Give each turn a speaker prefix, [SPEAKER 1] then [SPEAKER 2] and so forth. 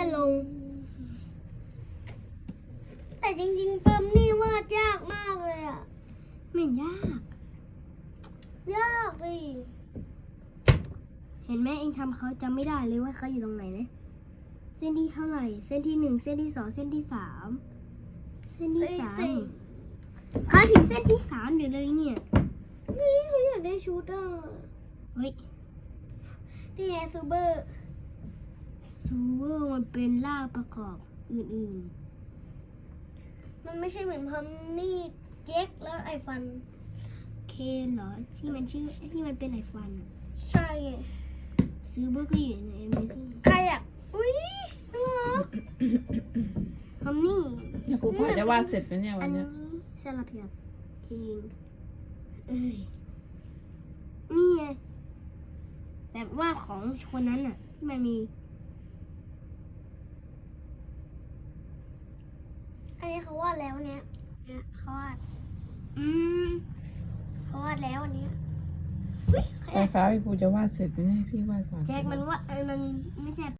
[SPEAKER 1] ลงแต่จริงๆปั๊มนี่วาดยากมากเลยอ่ะไม่ยากเลยเห็นไหมเองทำเขาจำไม่ได้เลยว่าเขาอยู่ตรงไหนนะเส้นที่เท่าไหร่เส้นที่หนึ่งเส้นที่สองเส้นที่สามเส้นที่สามเขาถึงเส้นที่สามอยู่เลยเนี่ยนี่เขาอยากได้ชุดอ่ะเฮ้ยนี่ไงซูเบอร์มันเป็นรากประกอบอื่นๆมันไม่ใช่เหมือนพัมนี่เจ็คแล้วไอฟันเคนเหรอที่มันชื่อที่มันเป็นไอฟันใช่ซูเบอร์ก็อยู่ในใครอ่ะอุ้ยน่ารักพัมนี่
[SPEAKER 2] ครูพาจะวาดเสร็จไหมเนี่ยวันเนี้ย
[SPEAKER 1] เซลาเพียบทีงนี่ไงแบบว่าของคนนั้นน่ะที่มันมีอันนี้เขาวาดแล้วเนี่ยเขาวาดเขาวาดแล้วอันนี้
[SPEAKER 2] ไฟฟ้าพี่ปูจะวาดเสร็จไหมเนี่ยพี่วาดก่อน
[SPEAKER 1] แจ็คมันว่ามันไม่ใช่